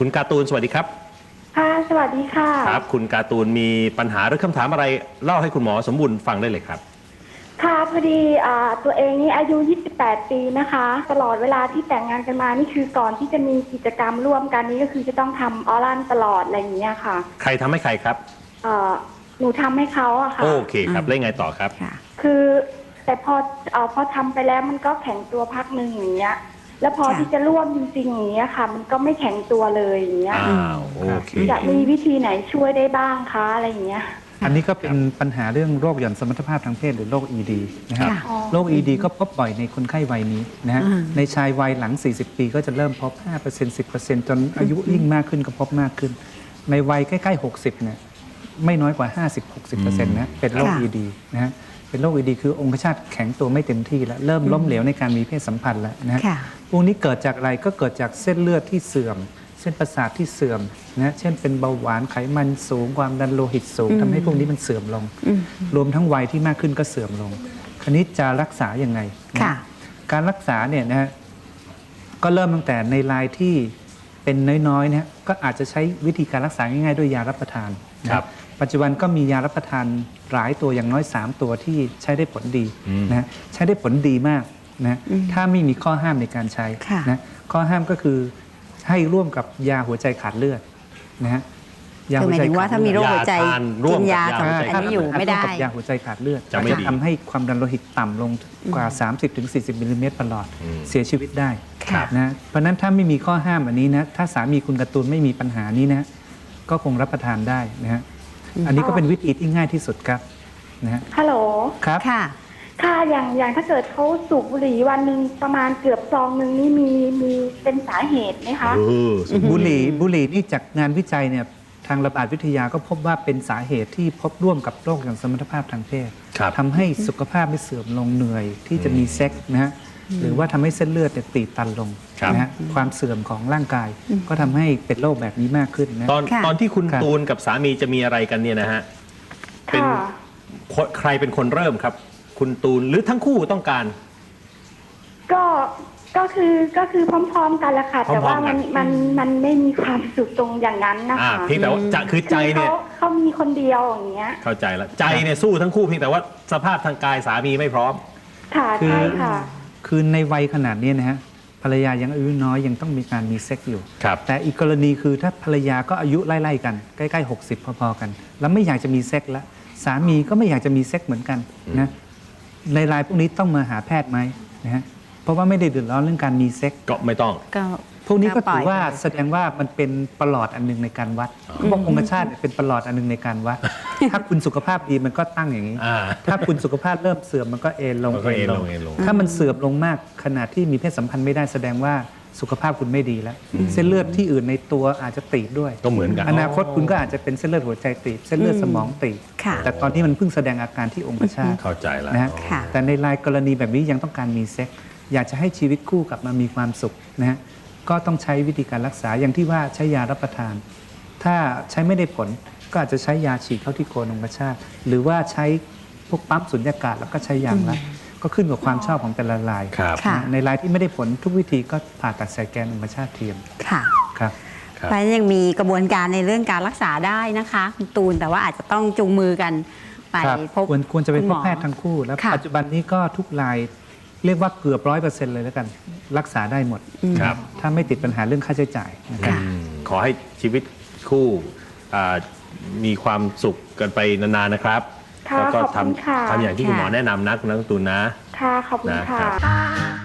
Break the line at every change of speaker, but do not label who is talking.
คุณการ์ตูนสวัสดีครับ
ค่ะสวัสดีค่ะ
ครับคุณการ์ตูนมีปัญหาหรือคำถามอะไรเล่าให้คุณหมอสมบูรณ์ฟังได้เลยครับ
ค่ะพอดีตัวเองนี่อายุ28 ปีนะคะตลอดเวลาที่แต่งงานกันมานี่คือก่อนที่จะมีกิจกรรมร่วมกันนี้ก็คือจะต้องทำออรัลตลอดอะไรอย่างเงี้ยค่ะ
ใครทำให้ใครครับ
หนูทำให้เขาอะค่ะ
โอเคครับแล้วไงต่อครับ
คือแต่พอทำไปแล้วมันก็แข็งตัวพักหนึ่งอย่างเงี้ยแล้วพอที่จะร่วมจริงๆอย่างเงี้ยค่ะมันก็ไม่แข็งตัวเลยอย่างเงี้ย
โอเค
จะมีวิธีไหนช่วยได้บ้างคะอะไรอย่างเงี้ย
อันนี้ก็เป็นปัญหาเรื่องโรคหย่อนสมรรถภาพทางเพศหรือโรค ED นะครับโรค ED ก็พบบ่อยในคนไข้วัยนี้นะฮะในชายวัยหลัง40 ปีก็จะเริ่มพบ 5% 10% จนอายุยิ่งมากขึ้นก็พบมากขึ้นในวัยใกล้ๆ60เนี่ยไม่น้อยกว่า 50-60% นะเป็นโรค ED นะฮะเป็นโรค ED คือองคชาตแข็งตัวไม่เต็มที่แล้วเริ่มล้มเหลวในการมีเพศสัมพันธ์แล้วนะฮะพวกนี้เกิดจากอะไรก็เกิดจากเส้นเลือดที่เสื่อมเส้นประสาทที่เสื่อมนะเช่นเป็นเบาหวานไขมันสูงความดันโลหิตสูงทำให้พวกนี้มันเสื่อมลงรวมทั้งวัยที่มากขึ้นก็เสื่อมลงคราวนี้จะรักษาอย่างไงการรักษาเนี่ยนะฮะก็เริ่มตั้งแต่ในรายที่เป็นน้อยๆนะก็อาจจะใช้วิธีการรักษาง่ายๆด้วยยารับประทานนะปัจจุบันก็มียารับประทานหลายตัวอย่างน้อย3ตัวที่ใช้ได้ผลดีนะใช้ได้ผลดีมากนะถ้าไม่มีข้อห้ามในการใช้นะข้อห้ามก็คือให้ร่วมกับยาหัวใจขาดเลือดนะฮะ
ยาหัวใจว่าถ้ามีโรคหัวใจกินยาอันนี้อยู่ไม่ได้
ยาหัวใจขาดเลือดจะทำให้ความดันโลหิตต่ำลงกว่า 30-40 มิลลิเมตรประหลอดเสียชีวิตได้นะเพราะนั้นถ้าไม่มีข้อห้ามอันนี้นะถ้าสามีคุณการ์ตูนไม่มีปัญหานี้นะก็คงรับประทานได้นะฮะอันนี้ก็เป็นวิธีที่ง่ายที่สุดครับนะฮะ
ฮัลโหล
ครับ
ค่ะอย่างถ้าเกิดเขาสูบบุหรี่วันหนึ่งประมาณเกือบซองหนึ่งนี่มีเป็นสาเหตุไหมคะ
บุหรี่นี่จากงานวิจัยเนี่ยทางระบาดวิทยาก็พบว่าเป็นสาเหตุที่พบร่วมกับโรคหย่อนสมรรถภาพทางเพศทำให้สุขภาพไม่เสื่อมลงเหนื่อยที่จะมีเซ็กนะฮะหรือว่าทำให้เส้นเลือดตีบตันลงนะฮะความเสื่อมของร่างกายก็ทำให้เป็นโรคแบบนี้มากขึ้นนะ
ตอนที่คุณตูนกับสามีจะมีอะไรกันเนี่ยนะฮะเป็นใครเป็นคนเริ่มครับคุณตูนหรือทั้งคู่ต้องการ
ก็คือพร้อมๆกันแหละค่ะแต่ว่ามันไม่มีความสุขตรงอย่างนั้นนะคะ
เพียงแต่ว่าจะคือใจเนี่ย
เขามีคนเดียวอย่างเงี้ย
เข้าใจแล้วใจเนี่ยสู้ทั้งคู่เพียงแต่ว่าสภาพทางกายสามีไม่พร้อม
ค่ะใช่ค่ะ
คือในวัยขนาดนี้นะฮะภรรยายังอายุน้อยยังต้องมีการมีเซ็กอยู่แต่อีกกรณีคือถ้าภรรยาก็อายุไล่ๆกันใกล้ๆ60พอๆกันแล้วไม่อยากจะมีเซ็กแล้วสามีก็ไม่อยากจะมีเซ็กเหมือนกันนะในรายพวกนี้ต้องมาหาแพทย์ไหมนะฮะเพราะว่าไม่ได้เดือดร้อนเรื่องการมีเซ็ก
ก็ไม่ต้อง
พวกนี้ก็ถือว่าแสดงว่ามันเป็นประหลอดอันนึงในการวัดเขาบอกองคชาตเป็นประหลอดอันนึงในการวัดถ้าคุณสุขภาพดีมันก็ตั้งอย่างนี้ถ้าคุณสุขภาพเริ่มเสื่อมมันก็เอนลงถ้ามันเสื่อมลงมากขนาดที่มีเพศสัมพันธ์ไม่ได้แสดงว่าสุขภาพคุณไม่ดีแล้วเส้นเลือดที่อื่นในตัวอาจจะตีบด้วย
ก็เหมือนกัน
อนาคตคุณก็อาจจะเป็นเส้นเลือดหัวใจตีบเส้นเลือดสมองตีบแต่ตอนที่มันเพิ่งแสดงอาการที่องคชาต
เข้าใจแล้ว
นะแต่ในรายกรณีแบบนี้ยังต้องการมีเซ็กอยากจะให้ชีวิตคู่กลับมามีความสุขนะฮะก็ต้องใช้วิธีการรักษาอย่างที่ว่าใช้ยารับประทานถ้าใช้ไม่ได้ผลก็อาจจะใช้ยาฉีดเข้าที่โคนองคชาตหรือว่าใช้พวกปั๊มสุญญากาศแล้วก็ใช้ยางรัดก็ขึ้นกับความชอบของแต่ละรายในรายที่ไม่ได้ผลทุกวิธีก็ผ่าตัดใส่แกนองคชาตเทียม
ค่ะ
ครับ
เพราะยังมีกระบวนการในเรื่องการรักษาได้นะคะคุณตูนแต่ว่าอาจจะต้องจูงมือกันไปพบ
ควรจะไปพบแพทย์ทั้งคู่แล้วปัจจุบันนี้ก็ทุกรายเรียกว่าเกือบ100%เลยแล้วกันรักษาได้หมดถ้าไม่ติดปัญหาเรื่องค่าใช้จ่ายนะครับ
ขอให้ชีวิตคู่มีความสุขกันไปนานๆนะครับแล้วก็ทำอย่างที่คุณหมอแนะนำนะคุณนักตุนนะ
ค่ะขอบคุณค่ะ